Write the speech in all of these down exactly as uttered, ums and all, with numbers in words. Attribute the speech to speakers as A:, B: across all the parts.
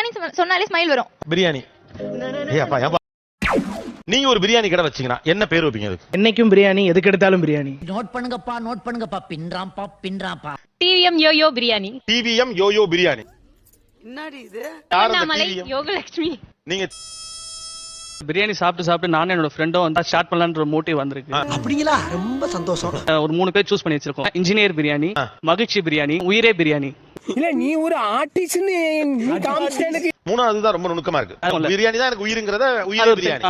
A: பிரியாணி சொன்னாலே ஸ்மைல் வரும்.
B: பிரியாணி. ஏய் அப்பா ஏப்பா. நீங்க ஒரு பிரியாணி கடை வச்சீங்கன்னா என்ன பேர் வைப்பீங்க அதுக்கு?
C: என்னைக்கும் பிரியாணி, எதுக்கு எடுத்தாலும் பிரியாணி.
D: நோட் பண்ணுங்கப்பா, நோட் பண்ணுங்கப்பா. பின்றாம்பா, பின்றாம்பா.
E: TVM yoyo biryani.
B: TVM yoyo biryani.
F: என்னடி இது?
E: அண்ணாமலை யோகலட்சுமி.
B: நீங்க
C: பிரியாணி சாப்பிட்டு சாப்பிட்டு நானும் என்னோட ஃப்ரெண்டும் வந்து ஸ்டார்ட் பண்ணலான்ற மோட்டிவ் வந்திருக்கு.
F: அப்படிங்களா? ரொம்ப சந்தோஷம்.
C: ஒரு மூணு பேர் சூஸ் பண்ணி வச்சிருக்கோம். இன்ஜினியர் பிரியாணி, மகிழ்ச்சி பிரியாணி, உயிரே பிரியாணி.
F: இல்ல நீ ஒரு ஆர்டிஸ்ட்னு நீ காமிச்சேனுக்கு.
B: மூணாவது தான் ரொம்ப நுணுக்கமா இருக்கு. பிரியாணி தான் எனக்கு உயிருங்கறத உயிரே பிரியாணி.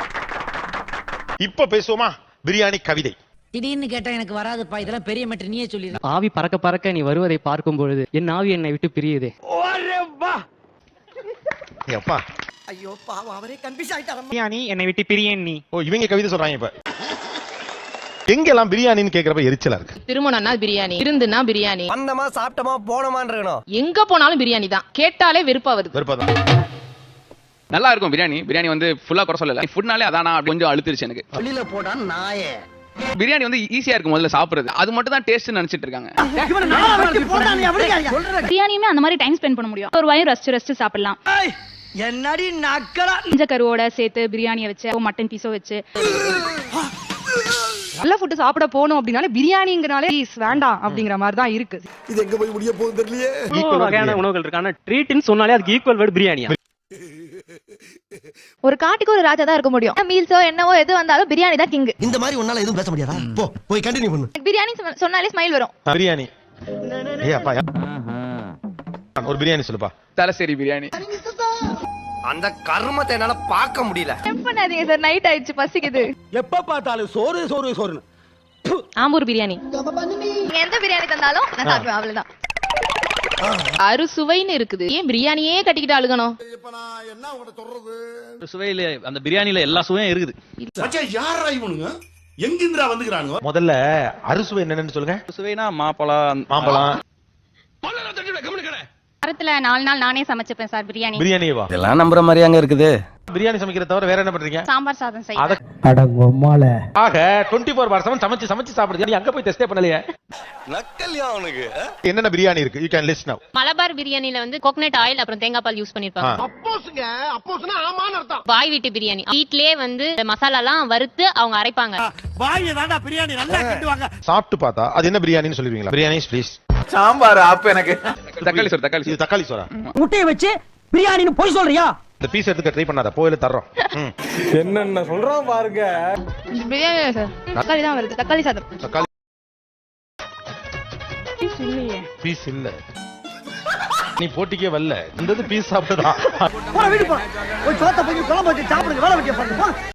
B: இப்ப பேசுவோமா பிரியாணி கவிதை.
D: திடீர்னு கேட்டா எனக்கு வராதுப்பா, இதெல்லாம் பெரிய மேட்டர், நீயே சொல்லிடு.
G: ஆவி பறக்க பறக்க நீ வருவதை பார்க்கும் பொழுது என் ஆவி என்னை விட்டு பிரியுதே.
F: ஓரே வா.
B: அப்பா
F: ஐயோ பாவம், அவரே கன்ஃபியூஸ் ஆயிட்டாரு.
G: பிரியாணி என்னை விட்டு பிரியேன் நீ.
B: ஓ இவங்க கவிதை சொல்றாங்க. இப்ப எங்கெல்லாம் பிரியாணின்னு கேக்குறப்ப எரிச்சலா இருக்கு.
E: திருமணம்னா பிரியாணி, விருந்துனா பிரியாணி,
F: வந்தமா சாப்பிட்டமா போனமான்னு இருக்கணும்.
E: எங்க போனாலும் பிரியாணி தான். கேட்டாலே வெறுப்பா வருது.
B: வெறுப்பாதான்.
H: நல்லா இருக்கும் பிரியாணி. பிரியாணி வந்து ஃபுல்லா குறை சொல்லல. ஃபுட்னாலே அதானா கொஞ்சம் அழுத்திருச்சு எனக்கு.
F: வெளியில போடா நாயே.
H: பிரியாணி வந்து ஈஸியா இருக்கும் முதல்ல சாப்பிடுறது. அது மட்டும் தான் டேஸ்ட் நினைச்சிட்டு இருக்காங்க.
A: பிரியாணியுமே அந்த மாதிரி டைம் ஸ்பெண்ட் பண்ண முடியும். ஒரு வாயும் ரசிச்சு ரசிச்சு சாப்பிடலாம்.
F: என்னடி நக்கலா.
A: இஞ்ச கருவோட சேர்த்து பிரியாணியை வச்சு மட்டன் பீஸோ வச்சு நல்ல ஃபுட் சாப்பிட போனோம் அப்படின்னாலே பிரியாணிங்கனாலே வேண்டாம் அப்படிங்கிற மாதிரி தான் இருக்கு.
F: இது எங்க போய் முடிய போகுது தெரியலையே.
G: ஈக்குவல் வகையான உணவுகள் இருக்கு. ஆனா ட்ரீட்னு சொன்னாலே அதுக்கு ஈக்குவல் வேர்ட் பிரியாணியா?
A: ஒரு காட்டுக்கு ஒரு ராஜா தான் இருக்க முடியும். மீல்ஸோ என்னவோ எது வந்தாலும் பிரியாணி தான் கிங்.
F: இந்த மாதிரி உன்னால எதுவும் பேச முடியாதா? போ போய் கண்டினியூ பண்ணு.
A: பிரியாணி சொன்னாலே ஸ்மைல் வரும்.
B: பிரியாணி. ஏய் அப்பா ஒரு பிரியாணி சொல்லுப்பா.
H: தலசேரி பிரியாணி.
F: அந்த கர்மத்தை என்னால பார்க்க முடியல.
A: டெம்ப் பண்ணாதீங்க சார், நைட் ஆயிடுச்சு, பசிக்குது.
F: எப்ப பார்த்தாலும் சோறு சோறு சோறு.
E: ஆம்பூர் பிரியாணி.
A: நீங்க எந்த பிரியாணி தந்தாலும் நான் சாப்பிடுவேன், அவ்வளவுதான்.
E: அறுசுவைன்னு இருக்குது, ஏன் பிரியாணியே கட்டிக்கிட்டு அழுகணும்?
C: சுவையில அந்த பிரியாணில எல்லா சுவையும் இருக்குது.
I: யாரா இவனுங்க? எங்கிந்திரா வந்துக்கிறானுங்க?
B: முதல்ல அறுசுவை என்னன்னு சொல்லுங்க.
C: சுவைனா மாப்பழம்,
B: மாம்பழம்.
A: வாரத்துல நாலு நாள் நானே சமைச்சுப்பேன் சார் பிரியாணி.
B: பிரியாணிவா?
F: இதெல்லாம் நம்புற மாதிரியாங்க இருக்குது.
B: பிரியாணி சமைக்கிறத தவிர வேற என்ன பண்றீங்க?
A: சாம்பார் சாதம் செய்வேன்.
B: ஆக இருபத்தி நான்கு பார் செவன் சமைச்சு சமைச்சு சாப்பிடுறது. நீ அங்க போய் டெஸ்டே பண்ணலையே.
F: நக்கல்யா அவனுக்கு.
B: என்னென்ன பிரியாணி இருக்கு? யூ கேன் லிஸ்ட் நவ.
E: மலபார் பிரியாணில வந்து கோகனட் ஆயில் அப்புறம் தேங்காய் பால் யூஸ் பண்ணிருப்பாங்க.
I: அப்போஸ்ங்க, அப்போஸ்னா ஆமான்னு அர்த்தம்.
E: பாய் வீட்டு பிரியாணி வீட்லயே வந்து மசாலா எல்லாம் வறுத்து அவங்க அரைப்பாங்க.
I: பாய் தான்டா பிரியாணி நல்லா கிண்டுவாங்க.
B: சாப்பிட்டு பார்த்தா அது என்ன பிரியாணின்னு சொல்லுவீங்களா? பிரியாணி ப்ளீஸ்.
H: சாம்பார் அப்ப எனக்கு தக்காளி சோறு. தக்காளி
B: இது தக்காளி சோறா?
D: முட்டையை வச்சு பிரியாணின்னு போய் சொல்றியா?
B: இந்த பீஸ் எடுத்துக்க ட்ரை பண்ணாத, போயில தர்றோம்.
F: என்னென்ன சொல்றோம் பாருங்க.
A: பிரியாணி சார் தக்காளி தான் வருது. தக்காளி சாதம்.
B: தக்காளி பீஸ் இல்ல. நீ போட்டிக்கே வரல. இந்த பீஸ் சாப்பிட்டதா?
F: போய் சோத்த போய் குழம்பு வச்சு சாப்பிடுங்க. வேலை வெட்டிய பாருங்க.